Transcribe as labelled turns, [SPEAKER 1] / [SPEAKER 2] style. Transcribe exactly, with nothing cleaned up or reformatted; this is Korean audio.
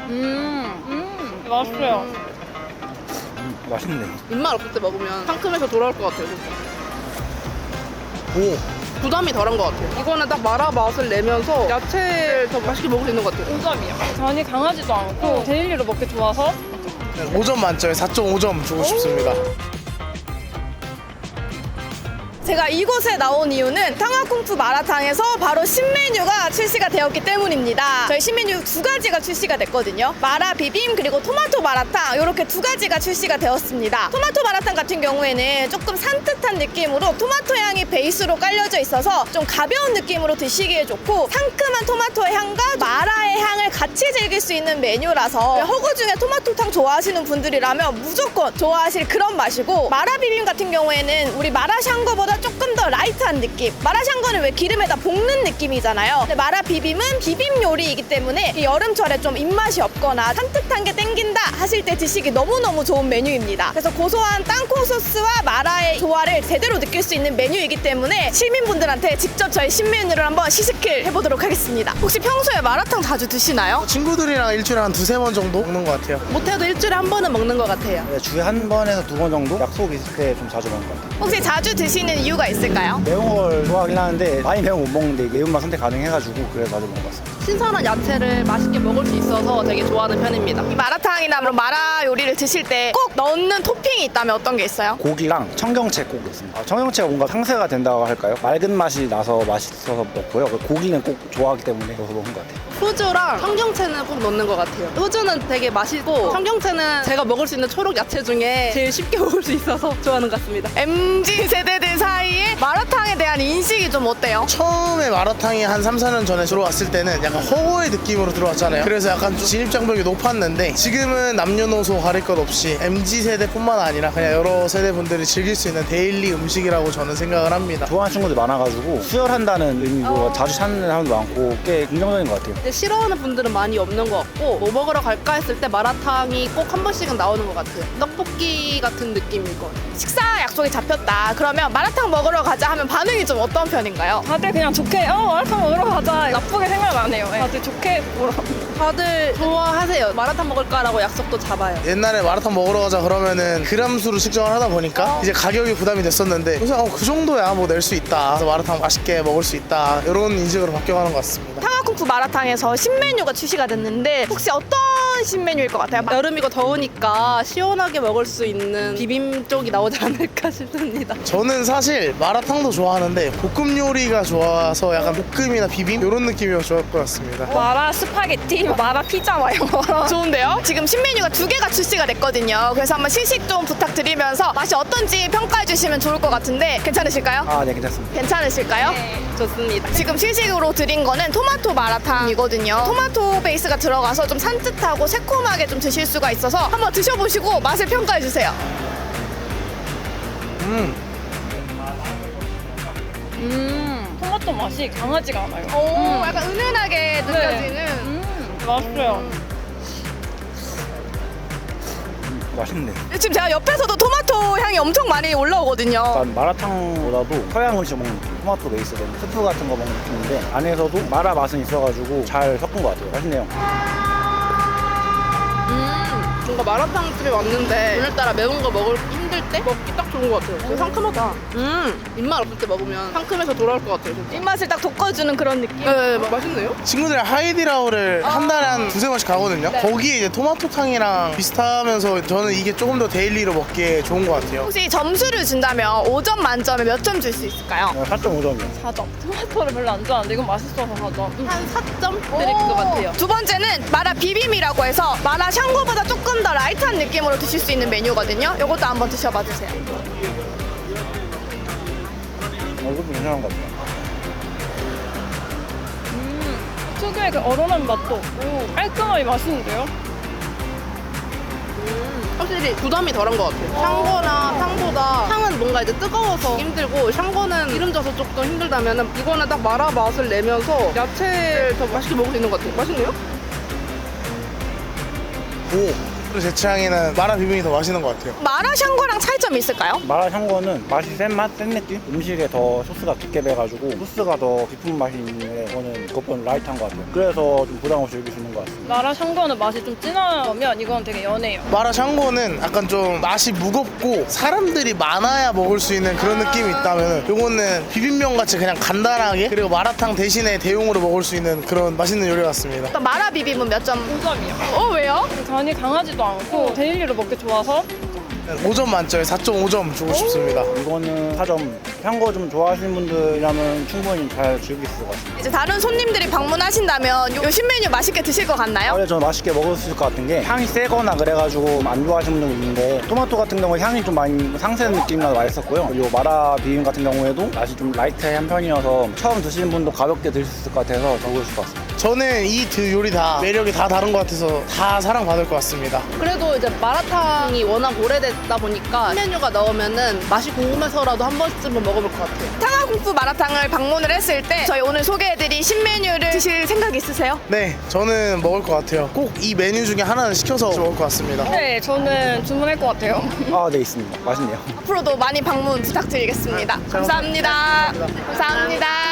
[SPEAKER 1] 음, 음, 맛있어요.
[SPEAKER 2] 음, 맛있네.
[SPEAKER 3] 입맛 없을 때 먹으면 상큼해서 돌아올 것 같아요, 진짜.
[SPEAKER 2] 오,
[SPEAKER 3] 부담이 덜한 것 같아요. 이거는 딱 마라 맛을 내면서 야채를 더 맛있게 먹을 수 있는 것 같아요.
[SPEAKER 1] 오 점이요. 간이 강하지도 않고 데일리로 먹기 좋아서.
[SPEAKER 2] 오 점 만점에 사 점 오 점 주고 싶습니다.
[SPEAKER 4] 제가 이곳에 나온 이유는 탕화쿵푸 마라탕에서 바로 신메뉴가 출시가 되었기 때문입니다. 저희 신메뉴 두 가지가 출시가 됐거든요. 마라 비빔 그리고 토마토 마라탕 이렇게 두 가지가 출시가 되었습니다. 토마토 마라탕 같은 경우에는 조금 산뜻한 느낌으로 토마토 향이 베이스로 깔려져 있어서 좀 가벼운 느낌으로 드시기에 좋고 상큼한 토마토의 향과 마라의 향을 같이 즐길 수 있는 메뉴라서 허거 중에 토마토탕 좋아하시는 분들이라면 무조건 좋아하실 그런 맛이고, 마라 비빔 같은 경우에는 우리 마라샹궈보다 조금 더 라이트한 느낌. 마라샹궈는 왜 기름에다 볶는 느낌이잖아요. 근데 마라 비빔은 비빔 요리이기 때문에 이 여름철에 좀 입맛이 없거나 산뜻한 게 땡긴다 하실 때 드시기 너무너무 좋은 메뉴입니다. 그래서 고소한 땅콩 소스와 마라의 조화를 제대로 느낄 수 있는 메뉴이기 때문에 시민분들한테 직접 저희 신메뉴를 한번 시식을 해보도록 하겠습니다. 혹시 평소에 마라탕 자주 드시나요?
[SPEAKER 2] 친구들이랑 일주일에 한 두세 번 정도 먹는 것 같아요.
[SPEAKER 3] 못해도 일주일에 한 번은 먹는 것 같아요.
[SPEAKER 5] 네, 주에 한 번에서 두 번 정도 약속 있을 때 좀 자주 먹는 것 같아요.
[SPEAKER 4] 혹시 자주 드시는 이유가 있을까요?
[SPEAKER 5] 매운 걸 좋아하긴 하는데 많이 매운 거 못 먹는데 매운맛 선택 가능해가지고 그래서 자주 먹는 것 같습니다.
[SPEAKER 3] 신선한 야채를 맛있게 먹을 수 있어서 되게 좋아하는 편입니다.
[SPEAKER 4] 이 마라탕이나 그런 마라 요리를 드실 때 꼭 넣는 토핑이 있다면 어떤 게 있어요?
[SPEAKER 5] 고기랑 청경채 꼭 있습니다. 아, 청경채가 뭔가 상쇄가 된다고 할까요? 맑은 맛이 나서 맛있어서 넣고요. 고기는 꼭 좋아하기 때문에 넣어서 먹는 것 같아요.
[SPEAKER 3] 후주랑 청경채는 꼭 넣는 것 같아요. 후주는 되게 맛있고 청경채는 제가 먹을 수 있는 초록 야채 중에 제일 쉽게 먹을 수 있어서 좋아하는 것 같습니다.
[SPEAKER 4] 엠지 세대들 사이에 마라탕에 대한 인식이 좀 어때요?
[SPEAKER 2] 처음에 마라탕이 한 삼, 사 년 전에 들어왔을 때는 약간 허거의 느낌으로 들어왔잖아요. 그래서 약간 좀 진입장벽이 높았는데 지금은 남녀노소 가릴 것 없이 엠지 세대뿐만 아니라 그냥 여러 세대 분들이 즐길 수 있는 데일리 음식이라고 저는 생각을 합니다.
[SPEAKER 5] 좋아하는 친구들 많아가지고 수혈한다는 의미로 자주 찾는 사람도 많고 꽤 긍정적인 것 같아요.
[SPEAKER 3] 근데 싫어하는 분들은 많이 없는 것 같고 뭐 먹으러 갈까 했을 때 마라탕이 꼭 한 번씩은 나오는 것 같아요. 떡볶이 같은 느낌일 것 같아요.
[SPEAKER 4] 식사 약속이 잡혔다. 그러면 마라탕 먹으러 가자 하면 반응이 좀 어떤 편인가요?
[SPEAKER 1] 다들 그냥 좋게 어 마라탕 먹으러 가자 나쁘게 생각 안 해요. 네. 다들 좋게 보러.
[SPEAKER 3] 다들 좋아하세요. 마라탕 먹을까라고 약속도 잡아요.
[SPEAKER 2] 옛날에 마라탕 먹으러 가자 그러면은 그람수로 측정을 하다 보니까 이제 가격이 부담이 됐었는데 그래서 어, 그 정도야 뭐 낼 수 있다. 그래서 마라탕 맛있게 먹을 수 있다. 이런 인식으로 바뀌어가는 것 같습니다.
[SPEAKER 4] 탕화쿵푸 마라탕에서 신메뉴가 출시가 됐는데 혹시 어떤 신메뉴일 것 같아요?
[SPEAKER 3] 여름이고 더우니까 시원하게 먹을 수 있는 비빔 쪽이 나오지 않을까 싶습니다.
[SPEAKER 2] 저는 사실 마라탕도 좋아하는데 볶음 요리가 좋아서 약간 볶음이나 비빔 이런 느낌이면 좋을 것 같습니다.
[SPEAKER 1] 마라 스파게티, 마라 피자 막 이런 거.
[SPEAKER 4] 좋은데요? 지금 신메뉴가 두 개가 출시가 됐거든요. 그래서 한번 시식 좀 부탁드리면서 맛이 어떤지 평가해 주시면 좋을 것 같은데 괜찮으실까요?
[SPEAKER 5] 아, 네, 괜찮습니다.
[SPEAKER 4] 괜찮으실까요?
[SPEAKER 3] 좋습니다.
[SPEAKER 4] 지금 시식으로 드린 거는 토마토 마라탕이거든요. 토마토 베이스가 들어가서 좀 산뜻하고 새콤하게 좀 드실 수가 있어서 한번 드셔보시고 맛을 평가해 주세요.
[SPEAKER 2] 음,
[SPEAKER 1] 음, 토마토 맛이 강하지가 않아요.
[SPEAKER 4] 오,
[SPEAKER 1] 음.
[SPEAKER 4] 약간 은은하게 느껴지는.
[SPEAKER 1] 음, 맛있어요.
[SPEAKER 5] 맛있네.
[SPEAKER 4] 지금 제가 옆에서도 토마토 향이 엄청 많이 올라오거든요.
[SPEAKER 5] 약간 마라탕보다도 서양 음식 먹는 느낌. 토마토 베이스 된 스프 같은 거 먹는 느낌인데 안에서도 마라 맛은 있어가지고 잘 섞은 것 같아요. 맛있네요.
[SPEAKER 3] 음, 뭔가 마라탕 집에 왔는데 오늘따라 매운 거 먹을 힘들 때 먹기 딱 좋은 것 같아요. 되게 상큼하다. 음, 입맛 없을 때 먹으면 상큼해서 돌아올 것 같아요. 진짜.
[SPEAKER 4] 입맛을 딱 돋궈주는 그런 느낌.
[SPEAKER 3] 네, 마- 맛있네요.
[SPEAKER 2] 친구들이랑 하이디라오를 한 달에 한 두세 번씩 가거든요. 거기에 이제 토마토탕이랑 비슷하면서 저는 이게 조금 더 데일리로 먹기에 좋은 것 같아요.
[SPEAKER 4] 혹시 점수를 준다면 오 점 만점에 몇 점 줄 수 있을까요?
[SPEAKER 5] 사 점 오 점이요.
[SPEAKER 1] 사 점. 토마토를 별로 안 좋아하는데 이건 맛있어서 사 점. 음.
[SPEAKER 3] 한 사 점 드릴 것 같아요.
[SPEAKER 4] 두 번째는 마라 비빔이라고 해서 마라 샹궈보다 조금 더 라이트한 느낌으로 드실 수 있는 메뉴거든요. 이것도 한번 드셔봐 주세요.
[SPEAKER 5] 어, 이것도 괜찮은 것 같아요.
[SPEAKER 1] 특유의 그 얼얼한 맛도 없고 깔끔하게 맛있는데요?
[SPEAKER 3] 확실히 부담이 덜한 것 같아요. 샹궈나 탕보다 탕은 뭔가 이제 뜨거워서 힘들고 샹궈는 기름 져서 조금 힘들다면 이거는 딱 마라 맛을 내면서 야채를 더 맛있게 먹을 수 있는 것 같아요. 맛있네요?
[SPEAKER 2] 오, 제 취향에는 마라 비빔이 더 맛있는 것 같아요.
[SPEAKER 4] 마라샹궈랑 차이점이 있을까요?
[SPEAKER 5] 마라샹궈는 맛이 센 맛, 센 느낌? 음식에 더 소스가 깊게 배가지고 소스가 더 깊은 맛이 있는데 이거는 그것보다 라이트한 것 같아요. 그래서 좀 부담 없이 즐길 수 있는 것 같습니다.
[SPEAKER 1] 마라 샹궈는 맛이 좀 진하면 이건 되게 연해요.
[SPEAKER 2] 마라샹궈는 약간 좀 맛이 무겁고 사람들이 많아야 먹을 수 있는 그런 느낌이 있다면 요거는 비빔면 같이 그냥 간단하게 그리고 마라탕 대신에 대용으로 먹을 수 있는 그런 맛있는 요리 같습니다.
[SPEAKER 4] 일단 마라 비빔은 몇 점?
[SPEAKER 1] 오 점이요.
[SPEAKER 4] 어 왜요?
[SPEAKER 1] 간이 강하지도 않고 데일리로 먹기 좋아서
[SPEAKER 2] 오 점 만점에 사 점 오 점 주고 싶습니다.
[SPEAKER 5] 이거는 사 점. 향거 좀 좋아하시는 분들이라면 충분히 잘 즐길 수 있을 것 같습니다.
[SPEAKER 4] 이제 다른 손님들이 방문하신다면 요 신메뉴 맛있게 드실 것 같나요?
[SPEAKER 5] 원래 저는 맛있게 먹을 수 있을 것 같은 게 향이 세거나 그래가지고 안 좋아하시는 분도 있는데 토마토 같은 경우에 향이 좀 많이 상세한 느낌이라서 맛있었고요. 그리고 마라 비빔 같은 경우에도 맛이 좀 라이트한 편이어서 처음 드시는 분도 가볍게 드실 수 있을 것 같아서 좋으실 것 같습니다.
[SPEAKER 2] 저는 이 두 요리 다 매력이 다 다른 것 같아서 다 사랑받을 것 같습니다.
[SPEAKER 3] 그래도 이제 마라탕이 워낙 오래됐다 보니까 메뉴가 나오면은 맛이 궁금해서라도 한 번쯤은 먹어볼 것 같아요.
[SPEAKER 4] 탕화쿵푸 마라탕을 방문을 했을 때 저희 오늘 소개해드린 신메뉴를 드실 생각 있으세요?
[SPEAKER 2] 네, 저는 먹을 것 같아요. 꼭 이 메뉴 중에 하나는 시켜서 먹을 것 같습니다.
[SPEAKER 1] 네, 저는 주문할 것 같아요.
[SPEAKER 5] 아, 네, 있습니다. 맛있네요.
[SPEAKER 4] 앞으로도 많이 방문 부탁드리겠습니다. 감사합니다. 감사합니다.